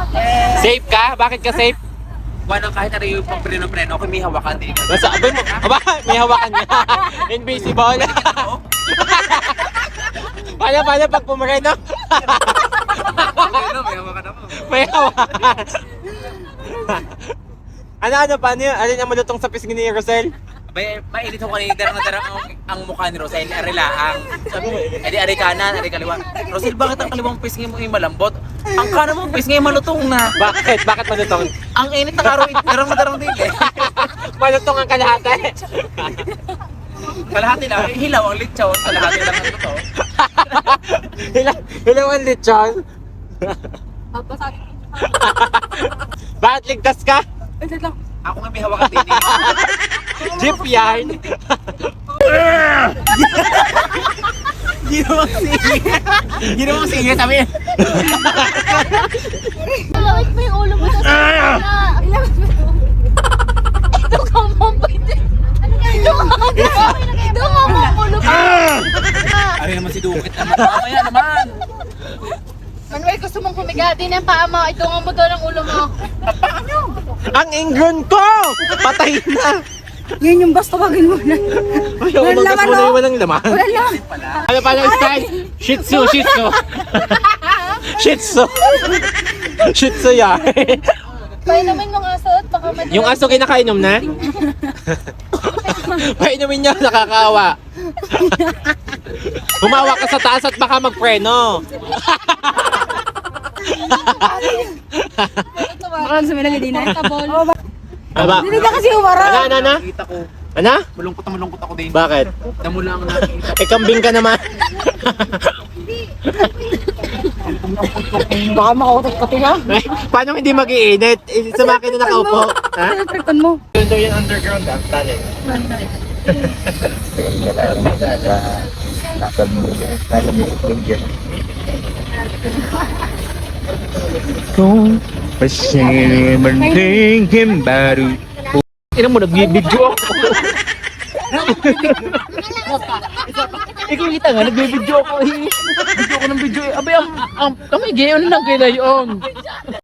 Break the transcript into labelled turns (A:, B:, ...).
A: Safe ka? Bakit ka safe?
B: Walang kahit ano yung pang preno-preno, ako may hawakan din.
A: Nasa abay mo. Aba, may hawakan niya. Invisible. Paano pag pumareno?
B: May hawakan ako.
A: May hawakan. Ano, paano yun? Alin ang malutong sa pisngi ni Rosel?
B: Mainit ako kanina, darang ang mukha ni Rosel, arilaang. Sabi mo, edi ari kanan, ari kaliwa. Rosel, bakit ang kaliwang pisngi mo ay malambot? Ang kanan mo pisngi ay malutong na.
A: Bakit? Bakit malutong?
B: Ang init ng araw, darang din eh.
A: Malutong ang kalahati.
B: Kalahati lang, hilaw ang litsaw, kalahati lang ang totoo.
A: Hilaw ang lechon. Bakit ligtas ka?
B: Ako nga may hawakan din.
A: Jeep yan.
B: Ginawang sige, sabi niya.
C: Ilawit mo yung ulo mo sa sana. Ilawit mo. Ito ka mo, pwede. Ito ka mo. Ito ka mo, ulo ka.
B: Ari naman si Dukit naman. Mamaya naman.
C: Manuel, gusto mong kumigati ng paa mo. Ito nga mo daw ng ulo mo.
A: Ang ingron ko! Patay na!
C: Yan yung basta wagin mo na.
A: Ay, umagas mo na yung walang laman.
C: Wala lang.
A: Ano pa yung style? Shih Tzu, Shih Tzu. Shih Tzu. Shih Tzu yan.
C: Painumin mo nga suot. Baka madali.
A: Yung aso kinakainom na? Painumin niya, nakakawa. Humawa ka sa taas at baka magpreno.
C: Baka sa mga hindi na. Tabol.
A: Aba.
C: Hindi ka kasi umara.
A: Ano?
B: Nakita ko.
A: Ano?
B: Malungkot na malungkot ako din.
A: Bakit?
B: Damo lang nakita.
A: Eh, kambing ka naman.
C: Baka makautot ka tiya.
A: Eh, paano hindi mag-iinit? Eh, sa makina nakaupo. Ha?
C: Ano mo?
A: Yun daw yung underground ah, tali. Kung pasimanding baru. Ina mo, nagbibidyo ako. Ikaw kita nga, nagbibidyo ako. Video ako ng video. Abay, ang gayon na lang kailayon.